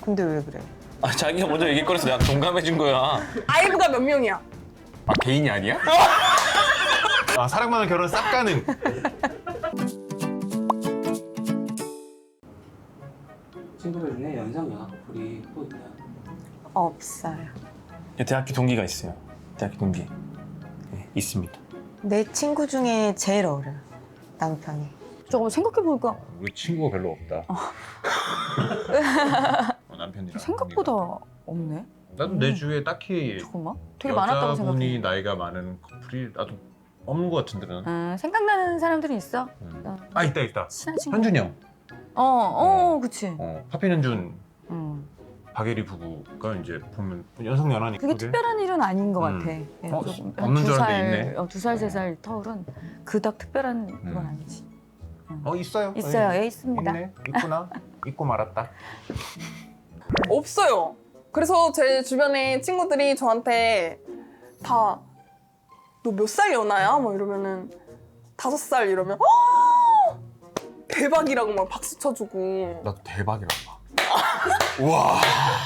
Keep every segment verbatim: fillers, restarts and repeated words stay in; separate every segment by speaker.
Speaker 1: 근데 왜 그래?
Speaker 2: 아, 자기가 먼저 얘기거려서 내가 동감해준 거야.
Speaker 3: 아이브가 몇 명이야?
Speaker 2: 아, 개인이 아니야?
Speaker 4: 아, 사랑만은 결혼 싹 가능.
Speaker 5: 친구들 중에 연상 연하 커플이 또 있나요?
Speaker 1: 없어요.
Speaker 2: 대학교 동기가 있어요. 대학교 동기. 네, 있습니다.
Speaker 1: 내 친구 중에 제일 어려요. 남편이.
Speaker 6: 잠깐만 생각해보니까
Speaker 4: 우리 친구가 별로 없다. 어, 남편이랑.
Speaker 6: 생각보다 없네.
Speaker 4: 나도 내 주위에 딱히
Speaker 6: 잠깐만. 되게 많았다고
Speaker 4: 여자분이
Speaker 6: 생각해.
Speaker 4: 나이가 많은 커플이 나도 없는 것 같은데 나는.
Speaker 6: 음, 생각나는 사람들이 있어.
Speaker 4: 음. 아 있다 있다.
Speaker 6: 친한 친구.
Speaker 4: 현준이 형.
Speaker 6: 어, 어, 그치.
Speaker 4: 어, 파핀 현준,
Speaker 6: 음.
Speaker 4: 박예리 부부가 이제 보면 연상 연하니까.
Speaker 6: 그게 특별한 일은 아닌 것
Speaker 4: 음.
Speaker 6: 같아. 예,
Speaker 4: 어,
Speaker 6: 조금
Speaker 4: 없는
Speaker 6: 두
Speaker 4: 줄
Speaker 6: 살,
Speaker 4: 알았는데 있네.
Speaker 6: 어, 두 살, 세 살 터울은 그닥 특별한 건
Speaker 4: 음.
Speaker 6: 아니지.
Speaker 4: 어 있어요.
Speaker 6: 있어요.
Speaker 4: 예.
Speaker 6: 예, 있습니다.
Speaker 4: 있네. 있구나. 있고 말았다.
Speaker 3: 없어요. 그래서 제 주변에 친구들이 저한테 다 너 몇 살 연하야? 막 이러면은 다섯 살 이러면 "아! 대박이라고 막 박수 쳐주고
Speaker 2: 나도 대박이라고 봐. 우와.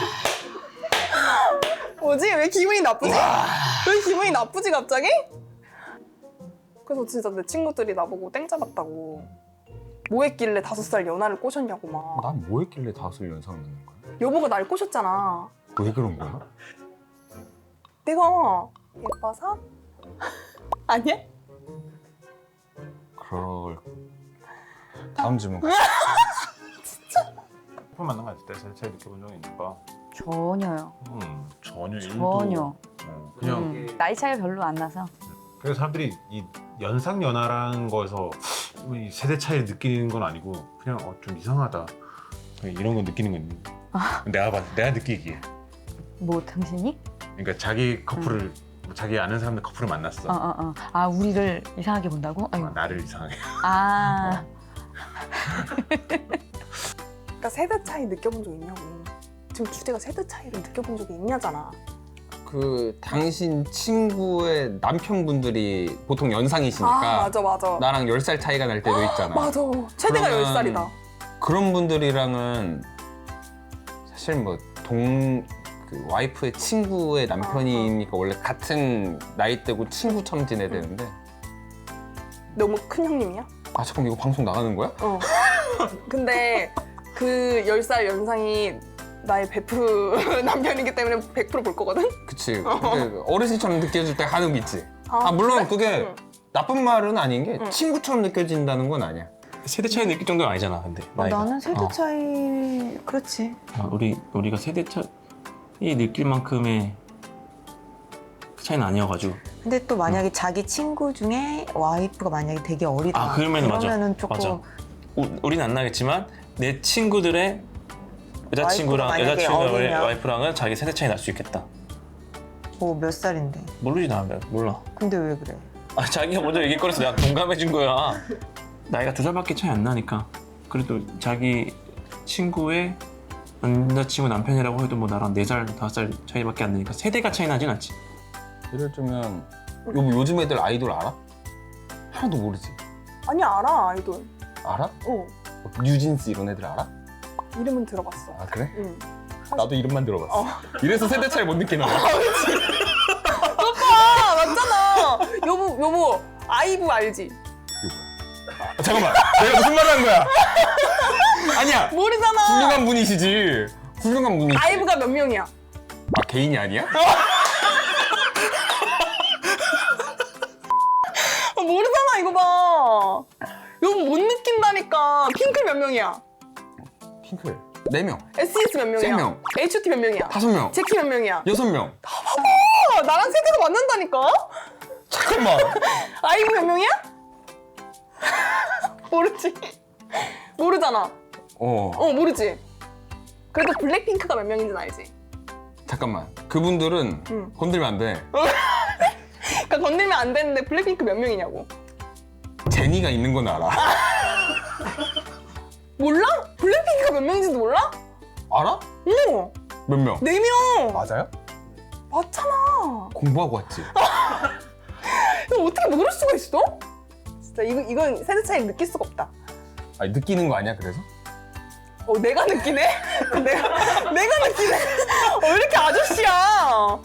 Speaker 3: 뭐지? 왜 기분이 나쁘지? 왜 기분이 나쁘지 갑자기? 그래서 진짜 내 친구들이 나보고 땡 잡았다고 뭐 했길래 다섯 살 연하를 꼬셨냐고 막
Speaker 2: 난 뭐 했길래 다섯 연상 넣는 거야?
Speaker 3: 여보가 날 꼬셨잖아.
Speaker 2: 왜 그런 거야?
Speaker 3: 내가 예뻐서? 아니야?
Speaker 2: 그럴. 다음 질문 가.
Speaker 4: 커플 만난 거 같을 때 제일, 제일 느껴본 적이 있을까?
Speaker 6: 전혀요.
Speaker 4: 음 전혀 일도.
Speaker 6: 전혀.
Speaker 4: 어, 그냥
Speaker 6: 음, 나이 차이가 별로 안 나서.
Speaker 4: 그래서 사람들이 이 연상 연하라는 거에서 이 세대 차이를 느끼는 건 아니고 그냥 어, 좀 이상하다 이런 거 느끼는 건 있는데 내가 봐 내가 느끼기에
Speaker 6: 뭐 당신이?
Speaker 4: 그러니까 자기 커플을 뭐 자기 아는 사람들 커플을 만났어.
Speaker 6: 어, 어, 어. 아, 우리를 이상하게 본다고? 아유.
Speaker 4: 아, 나를 이상하게.
Speaker 6: 아,
Speaker 3: 그러니까 세대 차이 느껴본 적 있냐고. 지금 주제가 세대 차이를 느껴본 적이 있냐잖아.
Speaker 5: 그 당신 친구의 남편분들이 보통 연상이시니까
Speaker 3: 아 맞아 맞아.
Speaker 5: 나랑 열 살 차이가 날 때도 있잖아.
Speaker 3: 맞아. 최대가
Speaker 5: 그러면
Speaker 3: 열 살이다.
Speaker 5: 그런 분들이랑은 사실 뭐 동 그 와이프의 친구의 남편이니까 원래 같은 나이대고 친구처럼 지내야 되는데
Speaker 3: 너무 큰 형님이야?
Speaker 5: 아 잠깐 이거 방송 나가는 거야?
Speaker 3: 어. 근데 그 열 살 연상이 나의 베프 남편이기 때문에 백 퍼센트 볼 거거든?
Speaker 5: 그치. 근데 어르신처럼 느껴질 때 하는 게 있지.
Speaker 3: 아,
Speaker 5: 아 물론
Speaker 3: 그래?
Speaker 5: 그게
Speaker 3: 응.
Speaker 5: 나쁜 말은 아닌 게
Speaker 3: 응.
Speaker 5: 친구처럼 느껴진다는 건 아니야.
Speaker 2: 세대 차이 느낄 정도는 아니잖아, 근데.
Speaker 1: 어,
Speaker 2: 나이가.
Speaker 1: 나는 세대
Speaker 2: 어.
Speaker 1: 차이 그렇지.
Speaker 2: 아, 우리 우리가 세대 차이 느낄 만큼의 그 차이는 아니어가지고.
Speaker 1: 근데 또 만약에 자기 친구 중에 와이프가 만약에 되게 어리다.
Speaker 2: 아, 그러면은 맞아.
Speaker 1: 그러면은 조금
Speaker 2: 맞아. 우, 우리는 안 나겠지만 내 친구들의 여자친구랑
Speaker 1: 와이프가 만약에
Speaker 2: 여자친구의
Speaker 1: 어리면?
Speaker 2: 와이프랑은 자기 세대 차이 날 수 있겠다.
Speaker 1: 뭐 몇 살인데.
Speaker 2: 모르지 나 몰라.
Speaker 1: 근데 왜 그래?
Speaker 2: 아, 자기가 먼저 얘기거려서 내가 동감해준 거야. 나이가 두 살밖에 차이 안 나니까. 그래도 자기 친구의 남자친구 남편이라고 해도 뭐 나랑 네 살, 다섯 살 차이밖에 안 나니까 세대가 차이 나진 않지.
Speaker 5: 예를 들면 요, 요즘 애들 아이돌 알아? 하나도 모르지.
Speaker 3: 아니 알아 아이돌.
Speaker 5: 알아?
Speaker 3: 어.
Speaker 5: 뭐 뉴진스 이런 애들 알아?
Speaker 3: 이름은 들어봤어.
Speaker 5: 아 그래?
Speaker 3: 응.
Speaker 5: 나도 이름만 들어봤어.
Speaker 3: 어.
Speaker 5: 이래서 세대 차이 못 느끼는 거야.
Speaker 3: 아 맞잖아. 여보 여보 아이브 알지?
Speaker 5: 이게 뭐야? 아, 잠깐만. 내가 무슨 말을 한 거야? 아니야.
Speaker 3: 모르잖아.
Speaker 5: 훌륭한 분이시지. 훌륭한 분이시.
Speaker 3: 아이브가 몇 명이야?
Speaker 5: 아 개인이 아니야?
Speaker 3: 아, 모르잖아 이거 봐. 여보 못 느낀다니까. 핑클 몇 명이야?
Speaker 5: 핑클 네 명,
Speaker 3: 에스이에스 몇 명이야?
Speaker 5: 세 명.
Speaker 3: 에이치오티 몇 명이야?
Speaker 5: 다섯 명,
Speaker 3: 제키 몇 명이야?
Speaker 5: 여섯 명.
Speaker 3: 아, 나랑 세대가 맞는다니까?
Speaker 5: 잠깐만.
Speaker 3: 아이브 몇 명이야? 모르지? 모르잖아.
Speaker 5: 어
Speaker 3: 어 모르지? 그래도 블랙핑크가 몇 명인지는 알지?
Speaker 5: 잠깐만. 그분들은
Speaker 3: 응.
Speaker 5: 건들면 안 돼.
Speaker 3: 그러니까 건들면 안 되는데 블랙핑크 몇 명이냐고.
Speaker 5: 제니가 있는 건 알아.
Speaker 3: 몰라? 블랙핑크가 몇 명인지도 몰라?
Speaker 5: 알아?
Speaker 3: 어,
Speaker 5: 몇 명?
Speaker 3: 네 명.
Speaker 5: 맞아요?
Speaker 3: 맞잖아.
Speaker 5: 공부하고 왔지.
Speaker 3: 이거 어떻게 모를 수가 있어? 진짜 이거, 이건 세대 차이 느낄 수가 없다.
Speaker 5: 아니 느끼는 거 아니야 그래서?
Speaker 3: 어, 내가 느끼네? 내가, 내가 느끼네? 어, 왜 이렇게 아저씨야?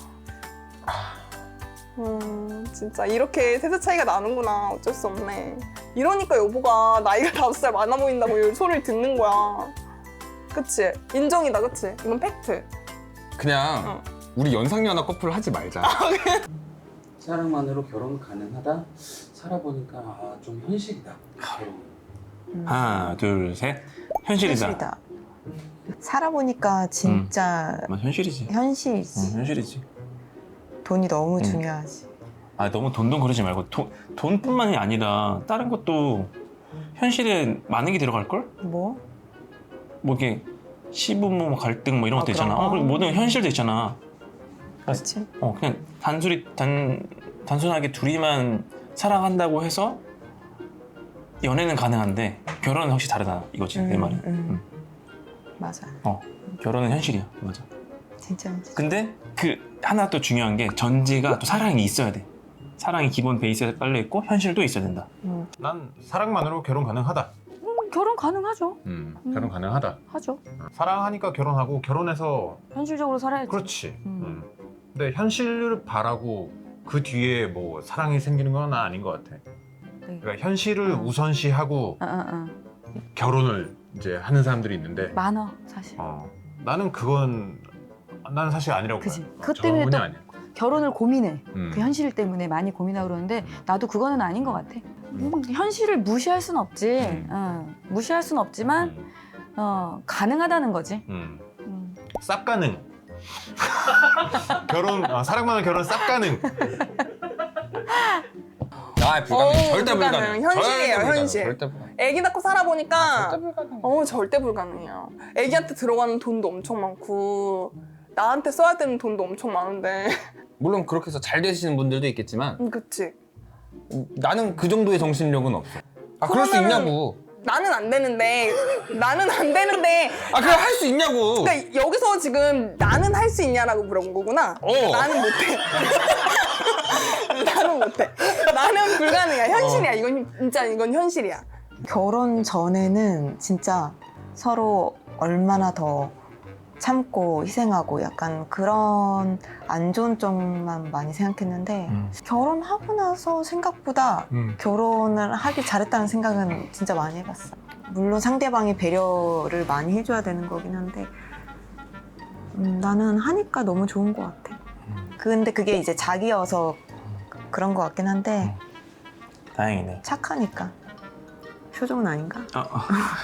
Speaker 3: 음, 진짜 이렇게 세대 차이가 나는구나. 어쩔 수 없네. 이러니까 여보가 나이가 다섯 살 많아 보인다고 이 소리를 듣는 거야. 그치? 인정이다, 그치? 이건 팩트.
Speaker 5: 그냥
Speaker 3: 어.
Speaker 5: 우리 연상연하 커플 하지 말자.
Speaker 7: 사랑만으로 결혼 가능하다? 살아보니까 아, 좀 현실이다. 결혼.
Speaker 2: 하나, 둘, 셋. 현실이다.
Speaker 1: 현실이다. 살아보니까 진짜
Speaker 2: 뭐 현실이지.
Speaker 1: 현실이지.
Speaker 2: 응, 현실이지.
Speaker 1: 돈이 너무
Speaker 2: 음.
Speaker 1: 중요하지.
Speaker 2: 아 너무 돈돈 그러지 말고 돈, 돈뿐만이 아니라 다른 것도 현실에 많은 게 들어갈 걸?
Speaker 1: 뭐?
Speaker 2: 뭐 이게 시부모 갈등 뭐 이런
Speaker 1: 아,
Speaker 2: 것도 있잖아.
Speaker 1: 그런
Speaker 2: 어,
Speaker 1: 거?
Speaker 2: 그리고 모든 현실도 있잖아.
Speaker 1: 그렇지.
Speaker 2: 어 그냥 단순히 단 단순하게 둘이만 사랑한다고 해서 연애는 가능한데 결혼은 확실히 다르다 이거지 내
Speaker 1: 음,
Speaker 2: 말이.
Speaker 1: 음. 맞아.
Speaker 2: 어 결혼은 현실이야 맞아.
Speaker 1: 진짜 현실.
Speaker 2: 근데 그 하나 또 중요한 게 전제가 또 사랑이 있어야 돼. 사랑이 기본 베이스에 깔려 있고 현실도 있어야 된다.
Speaker 1: 음.
Speaker 4: 난 사랑만으로 결혼 가능하다.
Speaker 6: 음, 결혼 가능하죠.
Speaker 4: 음,
Speaker 6: 음.
Speaker 4: 결혼 가능하다.
Speaker 6: 하죠.
Speaker 4: 사랑하니까 결혼하고 결혼해서
Speaker 6: 현실적으로 살아야지.
Speaker 4: 그렇지.
Speaker 6: 음.
Speaker 4: 음. 근데 현실을 바라고 그 뒤에 뭐 사랑이 생기는 건 아닌 것 같아.
Speaker 6: 네.
Speaker 4: 그러니까 현실을
Speaker 6: 어.
Speaker 4: 우선시하고
Speaker 6: 어, 어, 어.
Speaker 4: 결혼을 이제 하는 사람들이 있는데
Speaker 6: 많아 사실.
Speaker 4: 어, 나는 그건 나는 사실 아니라고
Speaker 6: 그치.
Speaker 4: 봐요.
Speaker 6: 그것
Speaker 4: 전혀
Speaker 6: 때문에 또
Speaker 4: 아니야.
Speaker 6: 결혼을 고민해.
Speaker 4: 음.
Speaker 6: 그 현실 때문에 많이 고민하고 그러는데
Speaker 4: 음.
Speaker 6: 나도 그거는 아닌 것 같아. 음, 현실을 무시할 순 없지.
Speaker 4: 음.
Speaker 6: 어, 무시할 순 없지만
Speaker 4: 음.
Speaker 6: 어, 가능하다는 거지.
Speaker 4: 음.
Speaker 6: 음.
Speaker 4: 쌉 가능. 결혼 아, 사랑만은 결혼 쌉 가능.
Speaker 5: 아 불가능.
Speaker 3: 어,
Speaker 5: 절대
Speaker 3: 불가능.
Speaker 5: 불가능.
Speaker 3: 현실이에요,
Speaker 5: 절대 불가능.
Speaker 3: 현실.
Speaker 5: 절대 불가능.
Speaker 3: 애기 낳고 살아보니까
Speaker 5: 아, 절대 불가능.
Speaker 3: 어 절대 불가능해요. 애기한테 들어가는 돈도 엄청 많고 나한테 써야 되는 돈도 엄청 많은데
Speaker 5: 물론 그렇게 해서 잘 되시는 분들도 있겠지만
Speaker 3: 음, 그치?
Speaker 5: 나는 그 정도의 정신력은 없어. 아 그럴 수
Speaker 3: 그러면은-
Speaker 5: 있냐고.
Speaker 3: 나는 안 되는데 나는 안 되는데
Speaker 5: 아 그냥 할 수 있냐고.
Speaker 3: 그러니까 여기서 지금 나는 할 수 있냐라고 물어본 거구나.
Speaker 5: 어.
Speaker 3: 나는 못해. 나는 못해. 나는 불가능이야. 현실이야. 이건 진짜 이건 현실이야.
Speaker 1: 결혼 전에는 진짜 서로 얼마나 더 참고 희생하고 약간 그런 안 좋은 점만 많이 생각했는데
Speaker 2: 음.
Speaker 1: 결혼하고 나서 생각보다
Speaker 4: 음.
Speaker 1: 결혼을 하길 잘했다는 생각은 진짜 많이 해봤어. 물론 상대방이 배려를 많이 해줘야 되는 거긴 한데 음, 나는 하니까 너무 좋은 것 같아. 근데 그게 이제 자기여서 그런 것 같긴 한데
Speaker 2: 다행이네.
Speaker 1: 착하니까. 표정은 아닌가?
Speaker 2: 어, 어.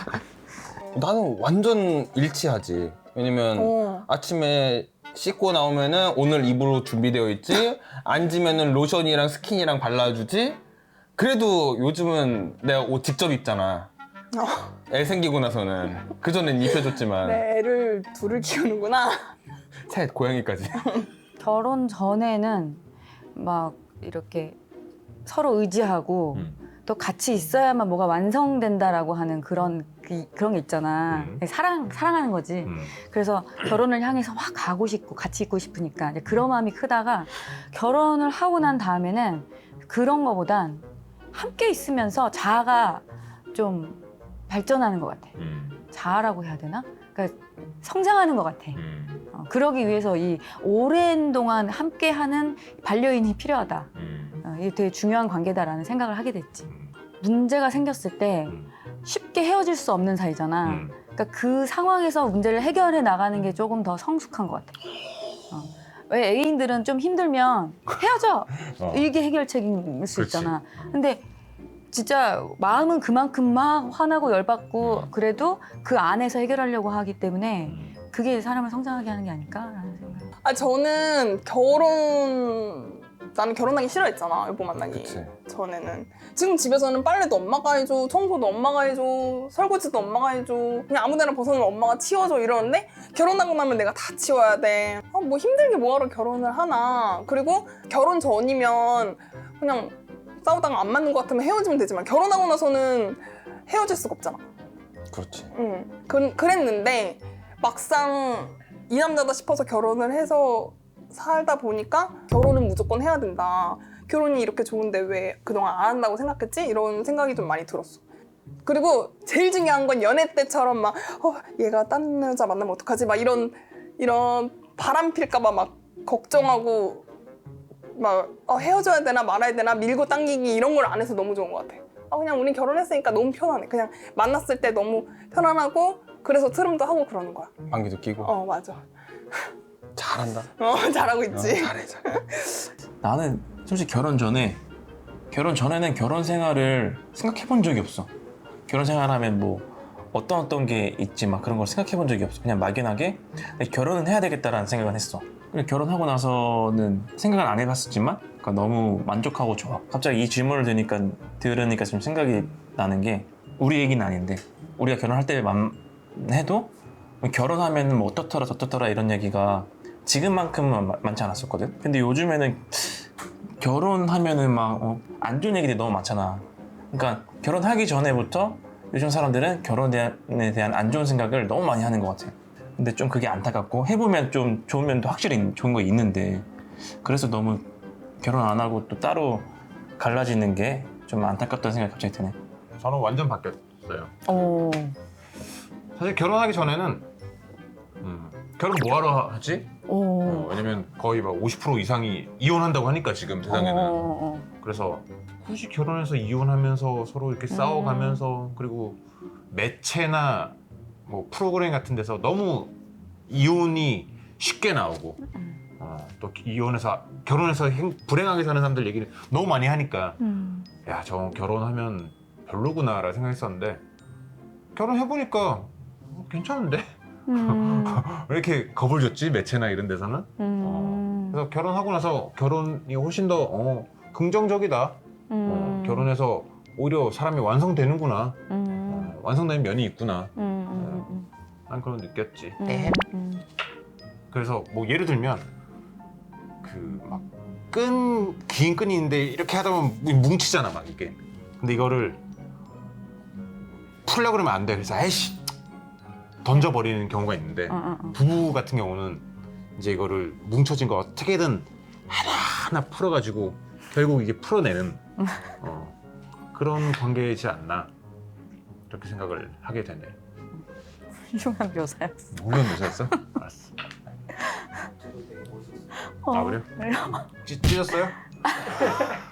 Speaker 5: 나는 완전 일치하지. 왜냐면
Speaker 3: 어.
Speaker 5: 아침에 씻고 나오면은 오늘 입으로 준비되어 있지. 앉으면은 로션이랑 스킨이랑 발라주지. 그래도 요즘은 내가 옷 직접 입잖아. 애 생기고 나서는. 그전엔 입혀줬지만
Speaker 3: 내 애를 둘을 키우는구나.
Speaker 5: 셋 고양이까지.
Speaker 6: 결혼 전에는 막 이렇게 서로 의지하고
Speaker 4: 음.
Speaker 6: 또 같이 있어야만 뭐가 완성된다라고 하는 그런 그, 그런 게 있잖아.
Speaker 4: 음.
Speaker 6: 사랑 사랑하는 거지.
Speaker 4: 음.
Speaker 6: 그래서 결혼을 향해서 확 가고 싶고 같이 있고 싶으니까 이제 그런 마음이 크다가 결혼을 하고 난 다음에는 그런 거보단 함께 있으면서 자아가 좀 발전하는 것 같아.
Speaker 4: 음.
Speaker 6: 자아라고 해야 되나? 그러니까 성장하는 것 같아.
Speaker 4: 음.
Speaker 6: 어, 그러기 위해서 이 오랜 동안 함께하는 반려인이 필요하다.
Speaker 4: 음.
Speaker 6: 어, 이게 되게 중요한 관계다라는 생각을 하게 됐지.
Speaker 4: 음.
Speaker 6: 문제가 생겼을 때
Speaker 4: 음.
Speaker 6: 쉽게 헤어질 수 없는 사이잖아.
Speaker 4: 음.
Speaker 6: 그러니까 그 상황에서 문제를 해결해 나가는 게 조금 더 성숙한 것 같아. 어. 왜 애인들은 좀 힘들면 헤어져!
Speaker 4: 어.
Speaker 6: 이게 해결책일 수
Speaker 4: 그렇지.
Speaker 6: 있잖아. 근데 진짜 마음은 그만큼 막 화나고 열받고
Speaker 4: 음.
Speaker 6: 그래도 그 안에서 해결하려고 하기 때문에
Speaker 4: 음.
Speaker 6: 그게 사람을 성장하게 하는 게 아닐까라는 생각.
Speaker 3: 아 저는 결혼 나는 결혼하기 싫어했잖아. 여보 만나기
Speaker 5: 그치.
Speaker 3: 전에는. 지금 집에서는 빨래도 엄마가 해줘, 청소도 엄마가 해줘, 설거지도 엄마가 해줘. 그냥 아무데나 벗어놓으면 엄마가 치워줘 이러는데 결혼하고 나면 내가 다 치워야 돼. 아, 뭐 힘들게 뭐하러 결혼을 하나. 그리고 결혼 전이면 그냥 싸우다가 안 맞는 것 같으면 헤어지면 되지만 결혼하고 나서는 헤어질 수가 없잖아.
Speaker 5: 그렇지.
Speaker 3: 응. 그, 그랬는데 막상 이 남자다 싶어서 결혼을 해서 살다 보니까 결혼은 무조건 해야 된다. 결혼이 이렇게 좋은데 왜 그동안 안 한다고 생각했지? 이런 생각이 좀 많이 들었어. 그리고 제일 중요한 건 연애 때처럼 막 어, 얘가 딴 여자 만나면 어떡하지? 막 이런 이런 바람 필까봐 막 걱정하고 막 어, 헤어져야 되나 말아야 되나 밀고 당기기 이런 걸 안 해서 너무 좋은 것 같아. 아 그냥 우린 결혼했으니까 너무 편하네. 그냥 만났을 때 너무 편안하고 그래서 트름도 하고 그러는 거야.
Speaker 5: 방귀도 끼고.
Speaker 3: 어 맞아.
Speaker 5: 잘한다.
Speaker 3: 어 잘하고 있지.
Speaker 5: 잘해 잘해.
Speaker 2: 나는 솔직히 결혼 전에 결혼 전에는 결혼 생활을 생각해 본 적이 없어. 결혼 생활하면 뭐 어떤 어떤 게 있지 막 그런 걸 생각해 본 적이 없어. 그냥 막연하게 결혼은 해야 되겠다라는 생각을 했어. 그리고 결혼하고 나서는 생각을 안 해봤었지만 그러니까 너무 만족하고 좋아. 갑자기 이 질문을 들으니까 들으니까 좀 생각이 나는 게 우리 얘기는 아닌데 우리가 결혼할 때만 해도 결혼하면 뭐 어떻더라 저떻더라 이런 얘기가 지금만큼은 마- 많지 않았었거든. 근데 요즘에는 결혼하면은 막 안 좋은 얘기들이 너무 많잖아. 그러니까 결혼하기 전에부터 요즘 사람들은 결혼에 대한 안 좋은 생각을 너무 많이 하는 것 같아. 근데 좀 그게 안타깝고 해보면 좀 좋은 면도 확실히 좋은 거 있는데 그래서 너무 결혼 안 하고 또 따로 갈라지는 게 좀 안타깝다는 생각이 갑자기 드네.
Speaker 4: 저는 완전 바뀌었어요.
Speaker 6: 오.
Speaker 4: 사실 결혼하기 전에는 음, 결혼 뭐하러 하지?
Speaker 6: 오.
Speaker 4: 어, 왜냐면 거의 막 오십 퍼센트 이상이 이혼한다고 하니까 지금 세상에는.
Speaker 6: 어, 어,
Speaker 4: 그래서 굳이 결혼해서 이혼하면서 서로 이렇게
Speaker 6: 음.
Speaker 4: 싸워가면서 그리고 매체나 뭐 프로그램 같은 데서 너무 이혼이 쉽게 나오고 어, 또 이혼해서 결혼해서 행- 불행하게 사는 사람들 얘기를 너무 많이 하니까
Speaker 6: 음.
Speaker 4: 야, 저 결혼하면 별로구나라는 생각했었는데 결혼해보니까 어, 괜찮은데?
Speaker 6: 음.
Speaker 4: 왜 이렇게 겁을 줬지? 매체나 이런 데서는?
Speaker 6: 음.
Speaker 4: 그래서 결혼하고 나서 결혼이 훨씬 더 어, 긍정적이다. 어,
Speaker 6: 음.
Speaker 4: 결혼해서 오히려 사람이 완성되는구나.
Speaker 6: 음.
Speaker 4: 어, 완성된 면이 있구나.
Speaker 6: 음. 음.
Speaker 4: 난 그런 거 느꼈지.
Speaker 6: 음.
Speaker 1: 네.
Speaker 6: 음.
Speaker 4: 그래서 뭐 예를 들면 그 막 끈, 긴 끈이 있는데 이렇게 하다 보면 뭉치잖아 막 이게. 근데 이거를 풀려고 그러면 안 돼. 그래서 아이씨 던져버리는 경우가 있는데
Speaker 6: 어, 어, 어.
Speaker 4: 부부 같은 경우는 이제 이거를 뭉쳐진 거 어떻게든 하나하나 풀어가지고 결국 이게 풀어내는 어, 그런 관계이지 않나 이렇게 생각을 하게 되네.
Speaker 6: 훌륭한 묘사였어.
Speaker 4: 물론 묘사했어? 알았어.
Speaker 7: 저도 되게 멋있었어요.
Speaker 6: 어.
Speaker 4: 아 그래요? 찢, 찢었어요?